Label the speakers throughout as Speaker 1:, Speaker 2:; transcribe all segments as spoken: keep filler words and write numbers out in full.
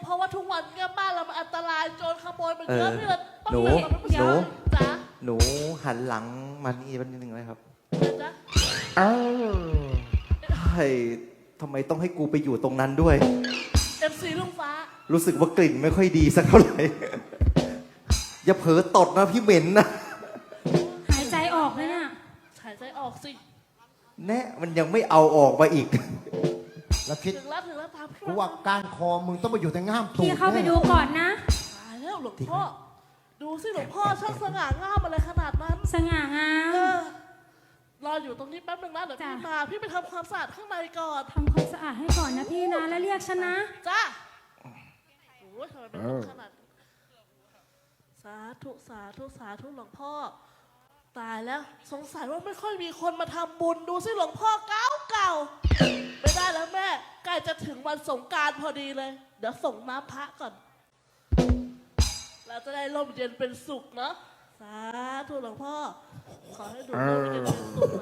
Speaker 1: เพราะว่าทุกวันเนี่ยบ้านเรามันอันตรายโจรขโมยมันเยอะพี่เลยต้อง
Speaker 2: หนู
Speaker 1: เตือนกับผู้ชายจ้ะ
Speaker 2: หนูหันหลังมานี่นิดนึงเลยครับ
Speaker 1: จ๊ะ
Speaker 2: อ้าวเฮ้ยทำไมต้องให้กูไปอยู่ตรงนั้นด้วย
Speaker 1: เอ็มซีลุงฟ้า
Speaker 2: รู้สึกว่ากลิ่นไม่ค่อยดีสักเท่าไหร่ อย่าเผลอตดนะพี่เหม็นนะ
Speaker 3: หายใจออกไหมเนี่ย
Speaker 1: หายใจออกสิ
Speaker 2: แน่มันยังไม่เอาออกมาอีก
Speaker 4: แล้วคิด
Speaker 1: ถึงแล้วถึงแล้วตามพี่
Speaker 4: กูว่าการคอมึงต้องมาอยู่แต่ง่ามตูด
Speaker 3: พี่เข้าไปดูก่อนนะ
Speaker 1: ตายแล้วหลวงพ่อดูสิหลวงพ่อช่างสง่างามอะไรขนาดนั้น
Speaker 3: สง่างาม
Speaker 1: เออรออยู่ตรงนี้แป๊บนึงนะเดี๋ยวพี่มาพี่ไปทำความสะอาดข้างในก่อน
Speaker 3: ทำความสะอาดให้ก่อนนะพี่นะ แล้วเรียกฉันนะ
Speaker 1: จ้าโอ้ยทำไมเป็นคนขนาดนี้สาธุสาธุสาธุหลวงพ่อตายแล้วสงสัยว่าไม่ค่อยมีคนมาทำบุญดูสิหลวงพ่อเก่าเก่าไม่ได้แล้วแม่ใกล้จะถึงวันสงกรานต์พอดีเลย เดี๋ยวส่งน้ำพระก่อนเราจะได้ร่มเย็นเป็นสุขเนาะสาธุหลวงพ่อขอให้ดูร่มเย็นเป็นสุข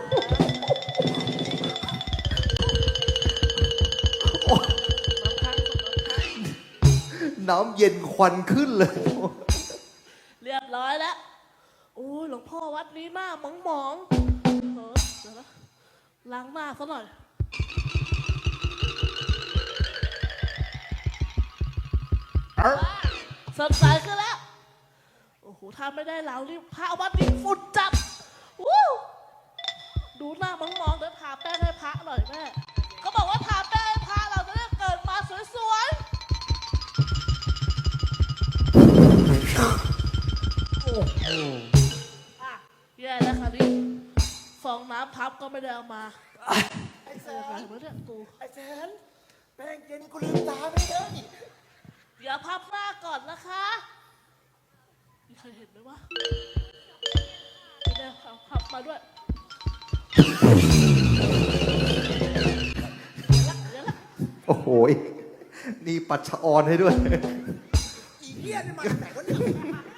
Speaker 1: นะคะ
Speaker 2: น้ำเย็นควันขึ้นเลย
Speaker 1: เรียบร้อยแล้วโอ้ยหลวงพ่อวัดนี้หน้าหมองหมองเออเดี๋ยวนะล้างหน้าซะหน่อยสดใสขึ้นแล้วโอ้โหถ้าไม่ได้แล้วรีบพระวัดนี้ฝุ่นจับวู้ดูหน้าหมองหมองเดี๋ยวทาแป้งให้พระหน่อยแม่เขาบอกว่าทาแป้งให้พระเราจะได้เกิดมาสวยๆอ่ะแย่แล้วค่ะนี่ฟองน้ำพับก็ไม่ได้เอามาไอ้เสืออะไรวะเนี่ยกู
Speaker 4: ไอ้แสนแป้งเย็นกูลืมตาไม่ได้
Speaker 1: เดี๋ยวพับหน้าก่อนนะคะมีใครเห็นไหมวะไม่ได้พับพับมาด้วยเดี๋ยวละ
Speaker 2: โอ้โหนี่ปัดชะออนให้ด้วย
Speaker 4: อีเหี้ยนี่มาจากไหนวะเนี่ย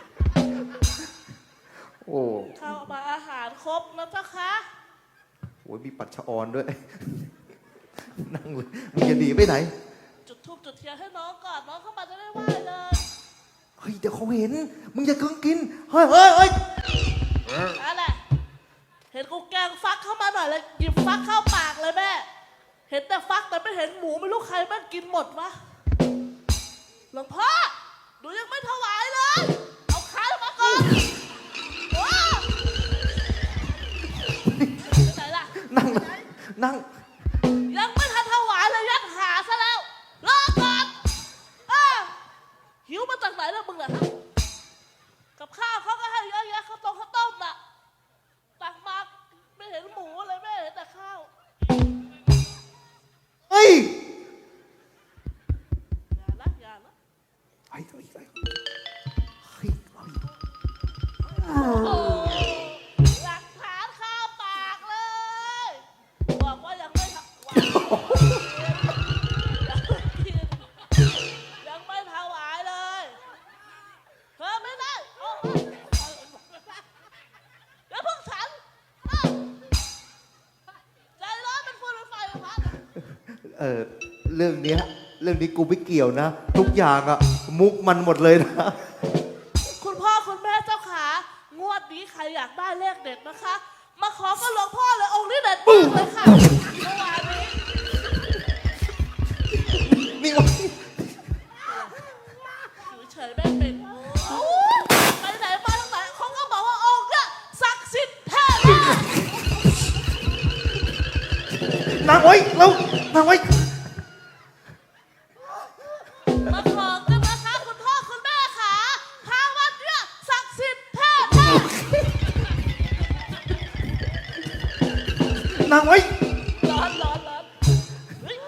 Speaker 2: โอ้
Speaker 1: เข้ามาอาหารครบแล้วเจ้าคะ
Speaker 2: โหมีปัดชะออนด้วย นั่งเลยมึงจะหนีไปไหน
Speaker 1: จุดธูปจุดเทียนให้น้องก่อนน้องเข้ามาจะได้ไหว้เลย
Speaker 2: เฮ้ยเดี๋ยวเขาเห็น มึงอย่าเกินกิน เฮ้ยเฮ้ยเฮ้ย
Speaker 1: อะไรเห็นกูแกงฟักเข้ามาหน่อยเลยหยิบฟักเข้าปากเลยแม่เห็นแต่ฟักแต่ไม่เห็นหมูไม่รู้ใครแม่งกินหมดวะหลวงพ่อหนูยังไม่ถวายเลยเอาขามาก่อนว้าไหนล่ะ
Speaker 2: นั่งนั่ง
Speaker 1: ยังไม่ทันถวายเลยยัดหาซะแล้วรอก่อนเออหิวมาจากไหนแล้วมึงอะฮะกับข้าวเขาก็ให้เยอะแยะข้าวต้มข้าวต้มน่ะตักมาไม่เห็นหมูเลยไม่เห็นแต่ข้าว
Speaker 2: เฮ้ย
Speaker 1: อย่าละอย่าละ
Speaker 2: เฮ้ยเฮ้ยเฮ้ยเฮ้ย
Speaker 1: โอ้หลักฐานข้าวปากเลยบอกว่ายังไม่ถวายยังไม่ถวายเลยเธอไม่ได้โอ้ยแล้วพวกฉันใจร้อนเป็นฟืนเป็นไฟเป็นพัด
Speaker 2: เออเรื่องเนี้ยเรื่องนี้กูไม่เกี่ยวนะ ทุกอย่างอะมุกมันหมดเลยนะ
Speaker 1: คุณพ่อคุณแม่เจ้าขางวดนี้ใครอยากได้เลขเด็ดนะคะ มาขอกับหลวงพ่อเลยองค์นี้เด็ดมากเลยค่ะเมื่อวานนี้
Speaker 2: นี่วะ
Speaker 1: อยู่เฉยแม่เป็นโอ้ยไปไหนมาทางไหนเขาก็บอกว่าองค์เนี่ยศักดิ์สิทธิ์แท้มาก
Speaker 2: นางไว้แล้วนางไว้
Speaker 1: มาขอกันนะคะคุณพ่อคุณแม่ค่ะทางวัดเนี่ยศักดิ์สิทธิ์แท้มาก
Speaker 2: นางไว้
Speaker 1: ร้อนร้อนร้อนเฮ้ย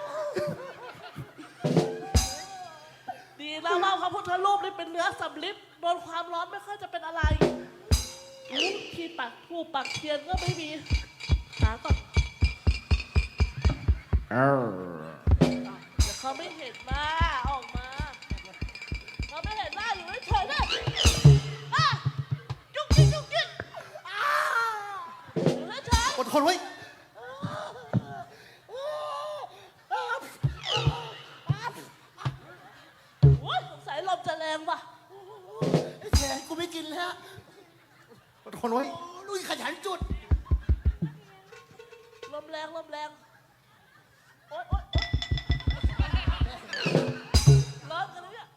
Speaker 1: ดีนะว่าพระพุทธรูปนี่เป็นเนื้อสำลิดโดนความร้อนไม่ค่อยจะเป็นอะไรอุ๊ยที่ปักทูปปักเทียนก็ไม่มีหาก่อนเดี๋ยวเขาไม่เห็นหน้าออกมาเขาไม่เห็นหน้าอยู่เฉยๆนะอ่ะจุกจิกจุกจิกอ่าอยู่เฉยๆ
Speaker 2: อดทนไว้
Speaker 1: จะแรงว่ะ
Speaker 4: ไอ้แขนกูไม่กินแล้ว
Speaker 2: อดทนไว้
Speaker 4: โอ้ลุยขยันจุด
Speaker 1: ลมแรงลมแรงโอ๊ยโอ๊ยร้อนกันเลยเนี่ย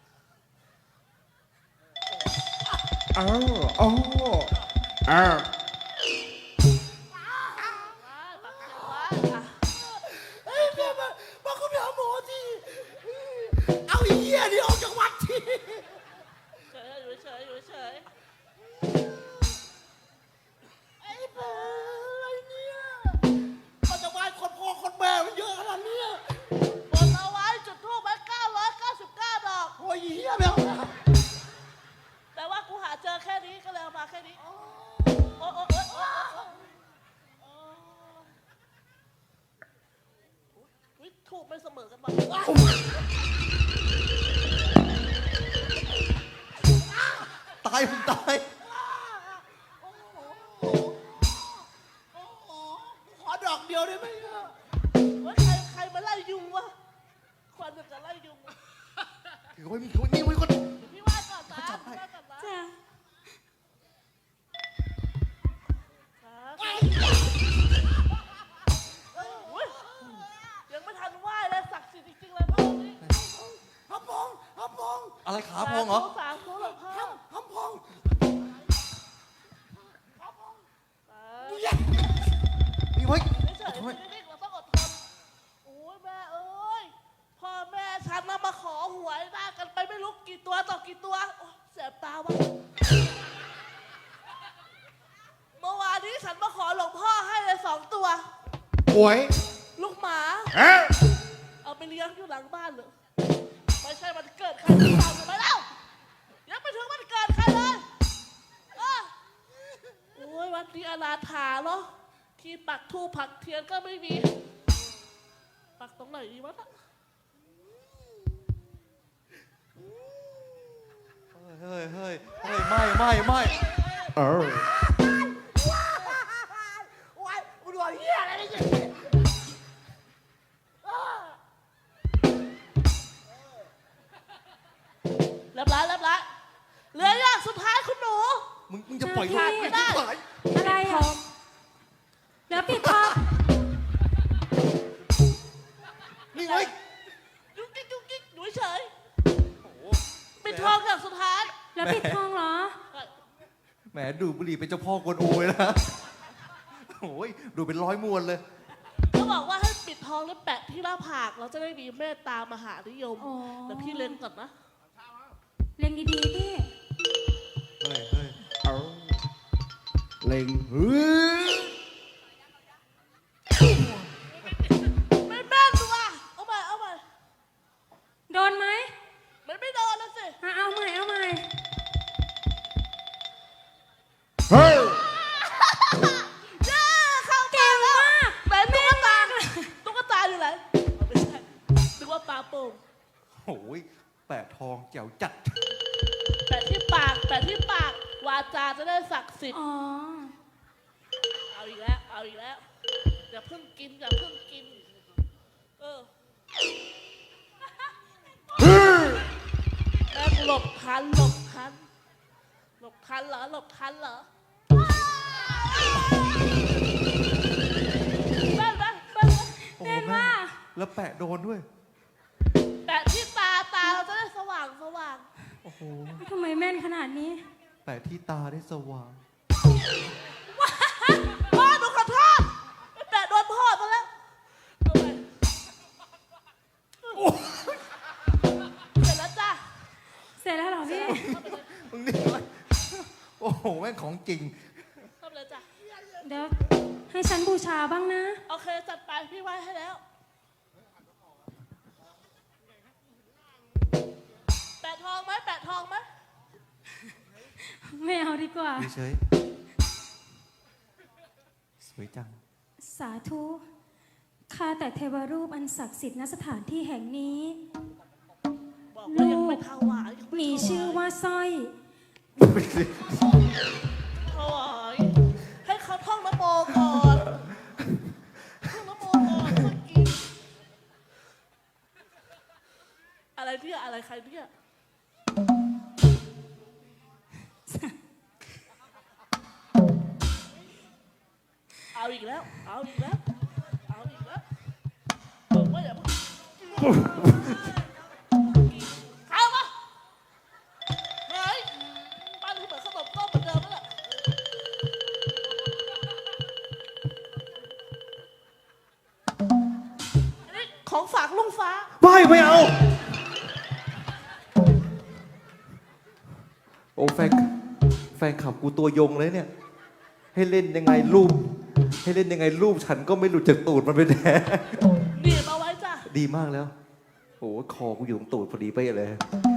Speaker 2: อ้าวอ้าวอ้าว
Speaker 1: ว้ายปากเสียวว้ายอ่ะ
Speaker 4: เฮ้ยแม่มามาคุณไปหาหมอทีเอาไอ้เหี้ยนี่ออกจากวัดที
Speaker 1: เฉยอยู่เฉยอยู่เฉย
Speaker 4: ไอ้เบ้อะไรเนี่ยมาจากวัดคนพ่อคนแม่มันเยอะขนาดเนี้ย
Speaker 1: บนเอาไว้จุดทูบไว้เก้าร้อยเก้าสิบเก้าดอก
Speaker 4: โอ้ยไอ้เหี้ยไม่เอาแล้ว
Speaker 1: แต่ว่ากูหาเจอแค่นี้ก็เลยเอามาแค่นี้ โอ๊ยโอ๊ยโอ๊ยโอ๊ยโอ๊ยโอ๊ยอุ๊ยถูกไม่เสมอกันบ้าง
Speaker 2: ตายผมตาย
Speaker 4: โอ้โหโอ้โหขอดอกเดียวได้ไหมอะ
Speaker 1: เฮ้ยใครใครมาไล่ยุงวะควันจะไล่ยุงวะ
Speaker 2: ถือไว้มีคนนี่ไว้คน
Speaker 1: พี่ว่าก่อนนะพี่ว่าก่อนนะ
Speaker 3: จ้ะ
Speaker 1: อุ๊ยยังไม่ทันไหว้เลยศักดิ์สิทธิ์จริงๆเลยพ่อนี่
Speaker 4: ฮัมพองฮัมพอง
Speaker 2: อะไรขาพองเหรอ
Speaker 1: สาธุหลวงพ่อ
Speaker 4: ฮัมฮัมพอง
Speaker 2: นี่ไว้
Speaker 1: ไม่เฉยไม่นิ่งเราต้องอดทนโอ้ยแม่เอ้ยพ่อแม่ฉันน่ะมาขอหวยหน้ากันไปไม่รู้กี่ตัวต่อกี่ตัวโอ๊ยแสบตาวะเมื่อวานนี้ฉันมาขอหลวงพ่อให้เลยสองตัว
Speaker 2: หวย
Speaker 1: ลูกหมา
Speaker 2: เอ๊ะ
Speaker 1: เอาไปเลี้ยงอยู่หลังบ้านเลยไม่ใช่มันเกิดใครหรือเปล่าถูกไหมเล่ายังไม่ถึงมันเกิดใครเลยเออโอ้ยวันนี้อนาถาเนาะที่ปักธูปปักเทียนก็ไม่มี ปักตรงไหนดีวะน่ะ
Speaker 2: เฮ้ยเฮ้ยเฮ้ยไม่ไม่ไม่เออ
Speaker 4: โอ้ยกูดูเหี้ยอะไรเนี่ย
Speaker 1: เรียบร้อยเรียบร้อยเหลืออย่างสุดท้ายคุณหนู
Speaker 2: มึงมึงจะปล่อยลูก
Speaker 1: ขาด
Speaker 2: ไป
Speaker 1: ไม่ได้
Speaker 2: ที่ไหน
Speaker 3: อะไรอ่ะเดี๋ยวปิดทอง
Speaker 2: นี่ไว้
Speaker 1: ยุกกิ๊กยุกกิ๊กหนูเฉยปิดทองอย่างสุดท้าย
Speaker 3: แล้วปิดทองเหรอ
Speaker 2: แหมดูบุหรี่เป็นเจ้าพ่อกวนอูเลยนะโอ้ยดูเป็นร้อยมวนเลย
Speaker 1: เขาบอกว่าให้ปิดทองแล้วแปะที่หน้าผากเราจะได้มีเมตตามหานิยม
Speaker 3: อ๋อ
Speaker 1: แต่พี่เล็งก่อนนะ
Speaker 3: เล็งดีๆพี่
Speaker 2: เฮ้ยเฮ้ยเอาเล็งเฮ้ย
Speaker 1: ไม่แม่นว่ะเอาใหม่เอาใหม่
Speaker 3: โดนไหม
Speaker 1: มันไม่โดนแล้วสิ
Speaker 3: อ่ะเอาใหม่เอาใหม่
Speaker 2: เฮ้ย
Speaker 1: เย้เข้า
Speaker 3: เก่งมาก
Speaker 1: แหวนตุ๊กตาตุ๊กตาอยู่ไหนเอาไม่ใช่นึกว่าปลาโป่ง
Speaker 2: โอ้ยแปะทองแจ๋วจัด
Speaker 1: แปะที่ปากแปะที่ปากวาจาจะได้ศักดิ์สิทธิ์
Speaker 3: อ๋อ
Speaker 1: เอาอีกแล้วเอาอีกแล้วอย่าเพิ่งกินอย่าเพิ่งกินเออแม่งหลบทันหลบทันหลบทันเหรอหลบทันเหรอแม่นไหมแม่นไหม
Speaker 2: โอ้
Speaker 3: เล่น
Speaker 2: แม่
Speaker 3: ว่า
Speaker 2: แล้วแปะโดนด้วย
Speaker 1: แปะที่ตาตาเราจะได้สว่างสว่าง
Speaker 2: โอ้โห
Speaker 3: ทำไมแม่นขนาดนี้
Speaker 2: แปะที่ตาได้สว่าง
Speaker 1: พ่อหนูขอโทษไปแปะโดนพ่อซะแล้วเอาไปเสร็จแล้วจ้ะ
Speaker 3: เสร็จแล้วเหรอพี่
Speaker 2: มึงนี่ไว้โอ้โหแม่งของจริง
Speaker 1: ทำเลยจ้ะ
Speaker 3: เดี๋ยวให้ฉันบูชาบ้างนะ
Speaker 1: โอเคจัดไปพี่ไหว้ให้แล้วแปะทองไหมแปะทองไหม
Speaker 3: ไม่เอาดีกว่า
Speaker 2: เฉยๆสวยจัง
Speaker 3: สาธุ ข้าแต่เทวรูปอันศักดิ์สิทธิ์ณสถานที่แห่งนี้
Speaker 1: บอกว่ายัง
Speaker 3: ลู
Speaker 1: ไม่
Speaker 3: ก
Speaker 1: ถวายยังไ
Speaker 3: มีชื่อว่าสร้อย
Speaker 1: ถวายให้เขาท่องนโมก่อนท่องนโมก่อนเมื่อกี้อะไรเนี่ยอะไรใครเนี่ยเอาอีกแล้ว เอาอีกแล้ว เอาอีกแล้วบอกว่าอย่าเพิ่งเข้ามาเฮ้ยบ้านกูเหมือนขนมต้มเหมือนเดิมนั่นแหละอันนี้ของฝากลุงฟ้า
Speaker 2: ไม่ไม่เอา โอ้แฟนแฟนขับกูตัวยงเลยเนี่ย ให้เล่นยังไงรูป ให้เล่นยังไงรูปฉันก็ไม่หลุดจากตูดมันไปแน่
Speaker 1: หนีบเอาไว้จ้ะ
Speaker 2: ดีมากแล้ว โอ้คอกูอยู่ตรงตูดพอดีไปะเลย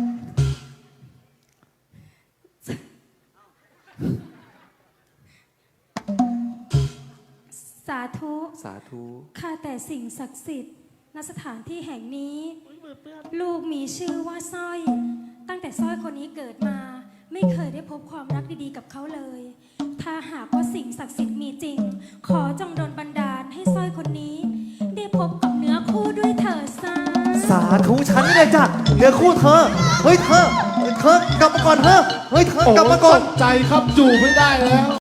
Speaker 3: สาธุ
Speaker 2: สาธุ
Speaker 3: ข้าแต่สิ่งศักดิ์สิทธิ์ณสถานที่แห่งนี้
Speaker 1: อุ๊ยมือเปื้อน
Speaker 3: ลูกมีชื่อว่าสร้อย ตั้งแต่สร้อยคนนี้เกิดมา ไม่เคยได้พบความรักดีๆกับเขาเลย ถ้าหากว่าสิ่งศักดิ์สิทธิ์มีจริง ขอจงดลบันดาลให้สร้อยคนนี้ ได้พบกับเนื้อคู่ด้วยเถิดสา
Speaker 2: สาธุฉันนี่เลยจ้ะเนื้อคู่เธอ เฮ้ยเธอ เธอกลับมาก่อนเธอ เฮ้ยเธอกลับมาก่อน
Speaker 4: ใจครับอยู่ไม่ได้แล้ว